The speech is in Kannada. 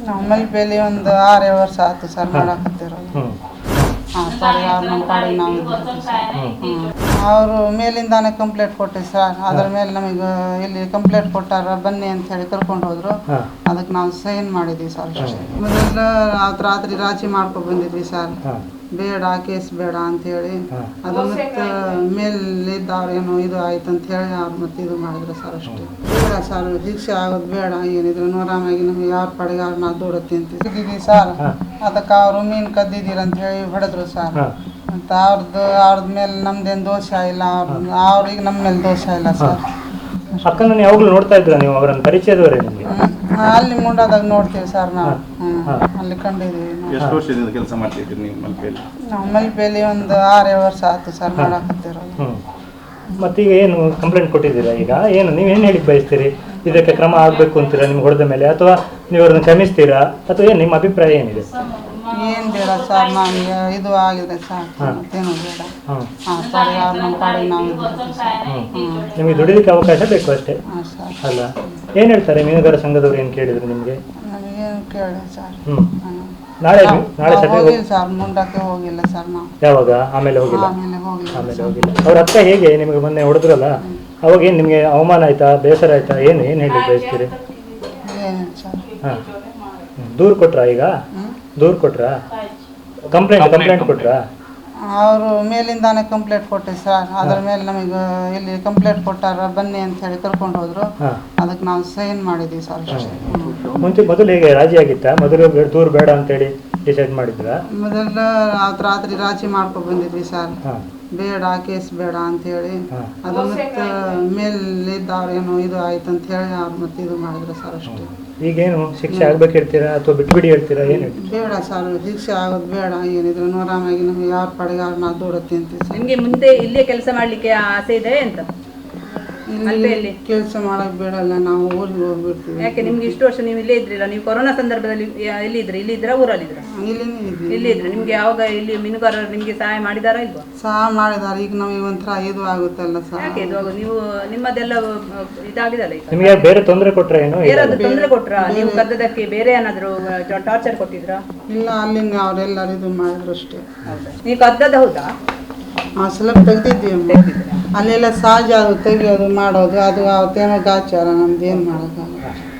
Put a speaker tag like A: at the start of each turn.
A: ನಾವು ಮಲ್ಪೆಯಲ್ಲಿ ಒಂದು 6 ವರ್ಷ ಆಯ್ತು ಸರ್ ಮಾಡಕತ್ತಿರೋದು. ಹಾಂ ಸರ್, ಅವ್ರು ನಮ್ಮ ಪಾಡಿಗೆ ನಾವು ಇದ್ದೀವಿ ಸರ್. ಅವರು ಮೇಲಿಂದಾನೆ ಕಂಪ್ಲೇಂಟ್ ಕೊಟ್ಟೆ ಸರ್. ಅದ್ರ ಮೇಲೆ ನಮಗೆ ಇಲ್ಲಿ ಕಂಪ್ಲೇಂಟ್ ಕೊಟ್ಟಾರ ಬನ್ನಿ ಅಂತ ಹೇಳಿ ಕರ್ಕೊಂಡು ಹೋದ್ರು. ಅದಕ್ಕೆ ನಾವು ಸೈನ್ ಮಾಡಿದ್ವಿ ಸರ್. ಮೊದಲ ರಾತ್ರಿ ರಾಜಿ ಮಾಡ್ಕೊಂಡು ಬಂದಿದ್ವಿ ಸರ್, ಬೇಡ ಕೇಸ್ ಬೇಡ ಅಂಥೇಳಿ. ಅದು ಮತ್ತೆ ಮೇಲಿದ್ದವ್ರೇನು ಇದು ಆಯ್ತು ಅಂತ ಹೇಳಿ ಅವ್ರು ಮತ್ತೆ ಇದು ಮಾಡಿದ್ರು ಸರ್. ಅಷ್ಟೇ ಬೇಡ ಸರ್, ಶಿಕ್ಷೆ ಆಗೋದು ಬೇಡ. ಏನಿದ್ರು ನೋರಾಮಾಗಿ ನಮಗೆ ಯಾರ ಪಡೆಗೆ ಅವ್ರು ನಾವು ದೂಡತ್ತಿ ಅಂತಿದ್ದೀವಿ ಸರ್. ಅದಕ್ಕೆ ಅವರು ಮೀನು ಕದ್ದಿದ್ದೀರ ಅಂತ ಹೇಳಿ ಹೊಡೆದ್ರು ಸರ್. ಮತ್ತು ಅವ್ರದ್ದು ಮೇಲೆ ನಮ್ದೇನು ದೋಷ ಇಲ್ಲ, ಅವ್ರಿಗೆ ನಮ್ಮ ಮೇಲೆ ದೋಷ ಇಲ್ಲ ಸರ್.
B: ಅಕ್ಕನ ಯಾವಾಗಲೂ ನೋಡ್ತಾ ಇದ್ರ ನೀವು? ಅವರನ್ನು ಪರಿಚಯದವರೇ ನಿಮಗೆ?
A: ಅಲ್ಲಿ ಮುಂಡಾದಾಗ ನೋಡ್ತೀವಿ ಸರ್ ನಾವು. ಅಲ್ಲಿ ಕಂಡಿದ್ದೀವಿ.
C: ಎಷ್ಟು ವರ್ಷದಿಂದ ಕೆಲಸ ಮಾಡ್ತಿದ್ದೀರಿ ನೀವು ಮಲ್ಪೆಯಲ್ಲಿ?
A: ನಾವು ಮಲ್ಪೆಯಲ್ಲಿ ಒಂದು 6 ವರ್ಷ ಆಯ್ತು ಸರ್ ಮಾಡಕತ್ತಿರೋದು.
B: ಮತ್ತೀಗ ಏನು ಕಂಪ್ಲೇಂಟ್ ಕೊಟ್ಟಿದ್ದೀರಾ? ಈಗ ಏನು ನೀವೇನು ಹೇಳಿ ಬಯಸ್ತೀರಿ? ಇದಕ್ಕೆ ಕ್ರಮ ಆಗಬೇಕು ಅಂತೀರಾ ನಿಮ್ಗೆ ಹೊಡೆದ ಮೇಲೆ, ಅಥವಾ ನೀವು ಅವ್ರನ್ನ ಕ್ಷಮಿಸ್ತೀರಾ, ಅಥವಾ ಏನು ನಿಮ್ಮ ಅಭಿಪ್ರಾಯ ಏನಿದೆ?
A: ಏನು ಬೇಡ ಸರ್, ನಮಗೆ ಇದು ಆಗಿದೆ ಸರ್, ಮತ್ತೇನು ಬೇಡ. ಹಾಂ ಸರ್, ಅವ್ರು ನಮ್ಮ ಪಾಡಿಗೆ ನಾವು ಇದ್ದೀವಿ ಸರ್.
B: ನಿಮಗೆ ದುಡಿಲಿಕ್ಕೆ ಅವಕಾಶ ಬೇಕು ಅಷ್ಟೇ ಅಲ್ಲ? ಏನು ಹೇಳ್ತಾರೆ ಮೀನುಗಾರ ಸಂಘದವ್ರು? ಏನು ಕೇಳಿದ್ರು ನಿಮಗೆ?
A: ನಮಗೇನು ಕೇಳಿ ಸರ್.
B: ನಾಳೆ ಸಭೆ
A: ಹೋಗಿಲ್ಲ ಸರ್, ಮುಂಡಕ್ಕೆ ಹೋಗಿಲ್ಲ ಸರ್ ನಾವು.
B: ಯಾವಾಗ? ಆಮೇಲೆ ಹೋಗಿಲ್ಲ.
A: ಆಮೇಲೆ
B: ಹೋಗಿಲ್ಲ. ಅವ್ರ ಅಕ್ಕ ಹೇಗೆ ನಿಮಗೆ ಮೊನ್ನೆ ಹೊಡೆದ್ರಲ್ಲ, ಅವಾಗ ಏನು ನಿಮಗೆ ಅವಮಾನ ಆಯ್ತಾ, ಬೇಸರ ಆಯ್ತಾ? ಏನು ಹೇಳಿ ಬಯಸ್ತೀರಿ?
A: ಏನಿಲ್ಲ ಸರ್.
B: ಹಾಂ, ದೂರು ಕೊಟ್ರಾ? ಈಗ ದೂರು ಕೊಟ್ರಾ? ಕಂಪ್ಲೇಂಟ್ ಕೊಟ್ರಾ?
A: ಅವರು ಮೇಲಿಂದಾನೆ ಕಂಪ್ಲೇಂಟ್ ಕೊಟ್ಟೆ ಸರ್. ಅದ್ರ ಮೇಲೆ ನಮಗೆ ಇಲ್ಲಿ ಕಂಪ್ಲೇಂಟ್ ಕೊಟ್ಟಾರ ಬನ್ನಿ ಅಂತ ಹೇಳಿ ಕರ್ಕೊಂಡು ಹೋದ್ರು. ಅದಕ್ಕೆ ನಾವು ಸೈನ್ ಮಾಡಿದ್ವಿ ಸರ್.
B: ಮೊದಲು ಹೇಗೆ ರಾಜಿ ಆಗಿತ್ತಾ? ಮೊದಲು ದೂರು ಬೇಡ ಅಂತೇಳಿ ಡಿಸೈಡ್ ಮಾಡಿದ್ರ?
A: ಮೊದಲ ರಾತ್ರಿ ರಾಜಿ ಮಾಡ್ಕೊಂಡು ಬಂದಿದ್ವಿ ಸರ್, ಬೇಡ ಕೇಸ್ ಬೇಡ ಅಂಥೇಳಿ. ಅದು ಮತ್ತೆ ಮೇಲಿದ್ದವ್ರೇನು ಇದು ಆಯ್ತು ಅಂತ ಹೇಳಿ ಅವ್ರು ಮತ್ತೆ ಇದು ಮಾಡಿದ್ರು ಸರ್. ಅಷ್ಟೇ.
B: ಈಗೇನು ಶಿಕ್ಷೆ ಆಗ್ಬೇಕು ಹೇಳ್ತೀರಾ, ಅಥವಾ ಬಿಟ್ಬಿಡಿ ಹೇಳ್ತೀರಾ? ಏನು
A: ಬೇಡ ಸರ್, ಶಿಕ್ಷೆ ಆಗೋದು ಬೇಡ. ಏನಿದ್ರು ನೋರಾಮಾಗಿ ನಮಗೆ ಯಾರ ಪಡೆಗೆ ಅವ್ರು ನಾವು ದೂಡತ್ತಿ ಅಂತೀವಿ ಸರ್.
D: ನಿಮಗೆ ಮುಂದೆ ಇಲ್ಲೇ ಕೆಲಸ ಮಾಡ್ಲಿಕ್ಕೆ ಆಸೆ ಇದೆ ಅಂತ?
A: ಇಲ್ಲಿ ಕೆಲಸ ಮಾಡಕ್ ಬೇಡಲ್ಲ, ನಾವು ಊರಿಗೆ ಹೋಗ್ಬಿಡ್ತೀವಿ.
D: ಯಾಕೆ? ನಿಮ್ಗೆ ಇಷ್ಟು ವರ್ಷ ನೀವು ಇಲ್ಲೇ ಇದ್ರಿಲ್ಲ? ನೀವು ಕೊರೋನಾ ಸಂದರ್ಭದಲ್ಲಿ ಎಲ್ಲಿ ಇದ್ರಿ? ಇಲ್ಲಿ ಇದ್ರ ಊರಲ್ಲಿ ಇದ್ರ? ಇಲ್ಲಿ ಇದ್ರಿ. ನಿಮ್ಗೆ ಯಾವಾಗ ಇಲ್ಲಿ ಮೀನುಗಾರರು ನಿಮ್ಗೆ ಸಹಾಯ ಮಾಡಿದಾರಾ ಇಲ್ವಾ?
A: ಸಹಾಯ ಮಾಡಿದಾರೆ. ಈಗ ನಮಗೆ ಒಂಥರ ಇದು ಆಗುತ್ತಲ್ಲ ಸರ್.
D: ಯಾಕೆ ಇದು ನೀವು ನಿಮ್ಮದೆಲ್ಲ ಇದಾಗಿದಲ್ಲ? ಈಗ
B: ನಿಮಗೆ ಬೇರೆ ತೊಂದರೆ ಕೊಟ್ರ? ಏನು
D: ಬೇರೆ ತೊಂದರೆ ಕೊಟ್ರ? ನೀವು ಕದ್ದದಕ್ಕೆ ಬೇರೆ ಏನಾದ್ರು ಟಾರ್ಚರ್ ಕೊಟ್ಟಿದ್ರಾ?
A: ಇಲ್ಲ, ಅಲ್ಲಿಂದ ಅವರೆಲ್ಲರೂ ಇದು ಮಾಡಿದ್ರು ಅಷ್ಟೇ.
D: ನೀವು ಕದ್ದದ ಹೌದಾ?
A: ಸ್ವಲ್ಪ ತೆಗ್ದಿದ್ದೀವಿ. ಅಲ್ಲೆಲ್ಲ ಸಹಜ ಅದು ತೆಗಿಯೋದು ಮಾಡೋದು, ಅದು ಅವತ್ತೇನೋ ಗಾಚಾರ, ನಮ್ದು ಏನು ಮಾಡೋಕ್ಕಾಗಲ್ಲ.